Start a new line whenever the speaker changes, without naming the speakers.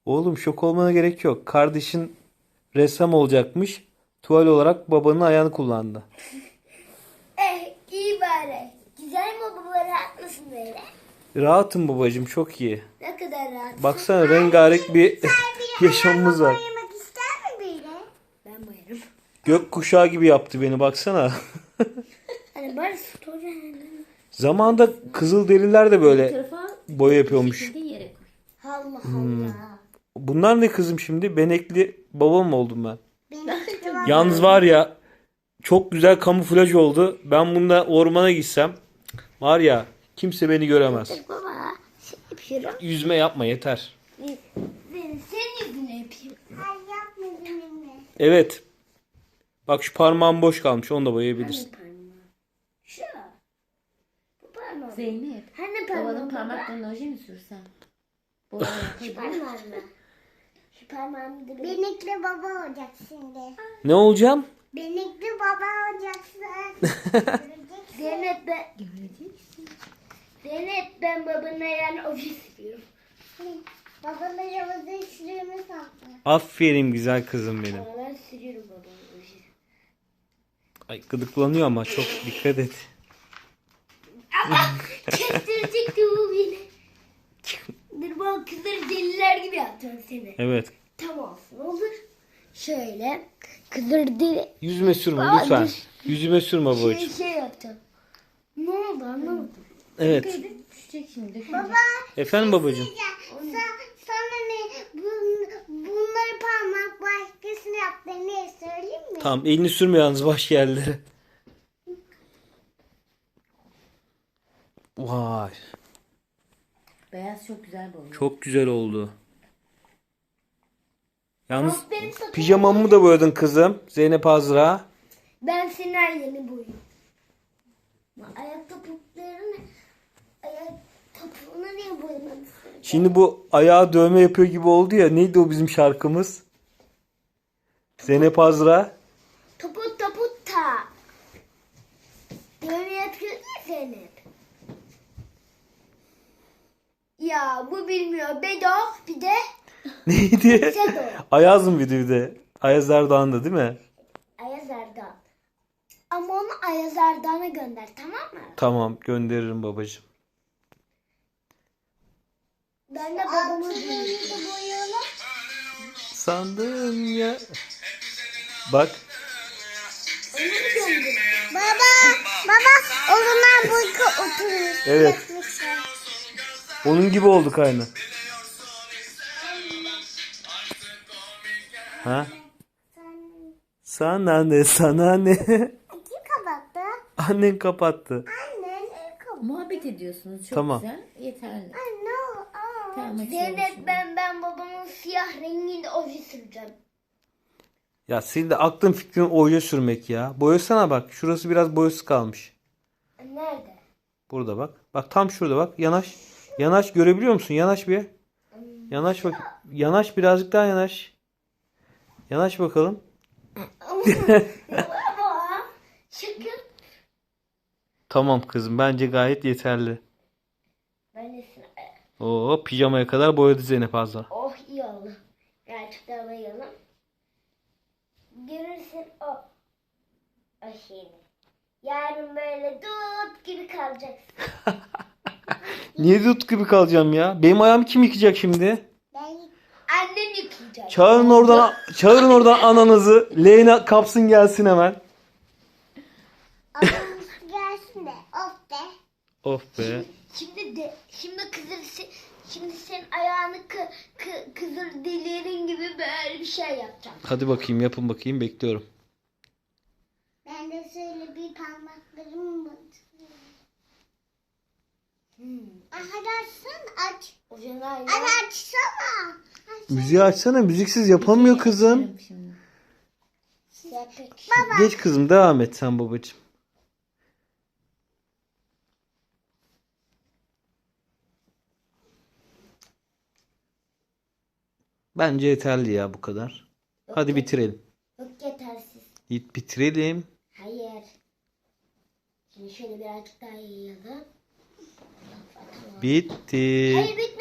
Oğlum şok olmana gerek yok. Kardeşin ressam olacakmış. Tuval olarak babanın ayağını kullandı.
İyi bari. Güzel mi baba, rahat mısın böyle?
Rahatım babacığım, çok iyi.
Ne kadar rahat.
Baksana rengarenk bir yaşamımız var.
Boyamak ister mi böyle? Ben boyarım.
Gökkuşağı gibi yaptı beni, baksana.
Hani bari story.
Zamanında Kızılderililer de böyle
Tarafa
boya yapıyormuş.
şekilde yere koy.
Allah Allah.
Bunlar ne kızım şimdi? Benekli baba mı oldum ben?
Benim
Yalnız var ya, çok güzel kamuflaj oldu. Ben bunda ormana gitsem var ya, kimse beni göremez.
baba şey yapıyorum.
Yüzme yapma, yeter.
Ben senin yüzüne yapayım. Ay yapma benimle.
Evet. Bak şu parmağım boş kalmış. Onu da boyayabilirsin.
Şu. Bu parmağım.
Zeynep.
Hani
Babanın
parmağım baba?
parmaklarına oje mi sürsen? Boya
Şu
yapabilir.
parmağımla. Şu parmağımı da Benekli baba olacak şimdi.
Ne olacağım?
Benekli baba olacaksın. Zeynep ben.
Göreceksin.
Zeynep ben babana yani oje sürüyorum. Babana yavuzda sürüyorum sanki.
Aferin güzel kızım benim.
Ama ben sürüyorum babana oje.
Ay gıdıklanıyor ama çok dikkat et.
Kestirecekti bu beni. Dur bak kızları deliler gibi yapacağım seni.
Evet.
Tam olsun olur. Şöyle kızları deli
Yüzüme sürme
Aa,
lütfen.
dur.
Yüzüme sürme babacığım.
şey yapacağım. Ne oldu anlamadım.
Evet.
Düşecek şimdi.
Baba
Efendim babacığım.
sana ne bunları parmak başkasını yaptı ne söyleyeyim mi?
Tamam, elini sürme yalnız başka yerlere. Vay.
Beyaz çok güzel boya.
Çok güzel oldu. Yalnız
Aferin sana.
pijamamı da boyadın kızım. Zeynep Azra.
Ben senin her yerini boyuyorum. Ayak topuklarını ayak topuğuna niye boyamadın?
Şimdi bu ayağı dövme yapıyor gibi oldu ya. Neydi o bizim şarkımız? Zeynep Azra.
Toput toput ta. Böyle yapıyordun ya Zeynep. Ya bu bilmiyor. Bedo bir de
Neydi?
Sedo.
Ayaz mı bir de? Ayaz Erdoğan'da değil mi?
Ayaz Erdoğan. Ama onu Ayaz Erdoğan'a gönder tamam mı?
Tamam, gönderirim babacığım.
Ben de babamı boyayalım.
Sandım ya. Bak.
Onu mu gönder? Baba o zaman bu oturur.
Evet. Onun gibi olduk aynı. Ha? Sana ne, sana ne?
Kim kapattı?
Annen kapattı.
Annen kapattı.
Muhabbet ediyorsunuz. Çok
Tamam.
güzel. Yeterli.
Anne.
Tamam, hadi
Zeynep
şimdi.
ben babamın siyah renginde oje süreceğim.
Ya senin de aklın fikrin oje sürmek ya. Boyasana bak. Şurası biraz boyası kalmış.
Nerede?
Burada bak. Bak tam şurada bak. Yanaş. Yanaş, görebiliyor musun? Yanaş bir. Yanaş bak. Yanaş, birazcık daha yanaş. Yanaş bakalım.
Baba şaka.
Tamam kızım. Bence gayet yeterli.
Ben de
Oo, pijamaya kadar boyadı Zeynep Azra.
oh iyi oldu. Gerçekten bayalım. Görürsün o şeyini. Yarın böyle dut gibi kalacaksın.
Niye dut gibi kalacağım ya? Benim ayağımı kim yıkayacak şimdi?
Annem yıkayacak.
Çağırın oradan ananızı. Leyna kapsın gelsin hemen.
Anamız gelsin de of de.
Of be.
Şimdi senin ayağını kızır delirin gibi böyle bir şey yapacağım.
Hadi bakayım, yapın bakayım, bekliyorum.
Ben de şöyle bir parmaklarımı batırıyorum. Hadi açsana aç. Hadi açsana.
Müziği açsana, müziksiz yapamıyor kızım.
Şimdi.
Baba.
Geç kızım, devam et sen babacığım. Bence yeterli ya bu kadar. Hadi bitirelim.
Yok yetersiz.
Bitirelim.
Hayır. Şimdi şöyle birazcık daha yayalım. Tamam.
Bitti.
Hayır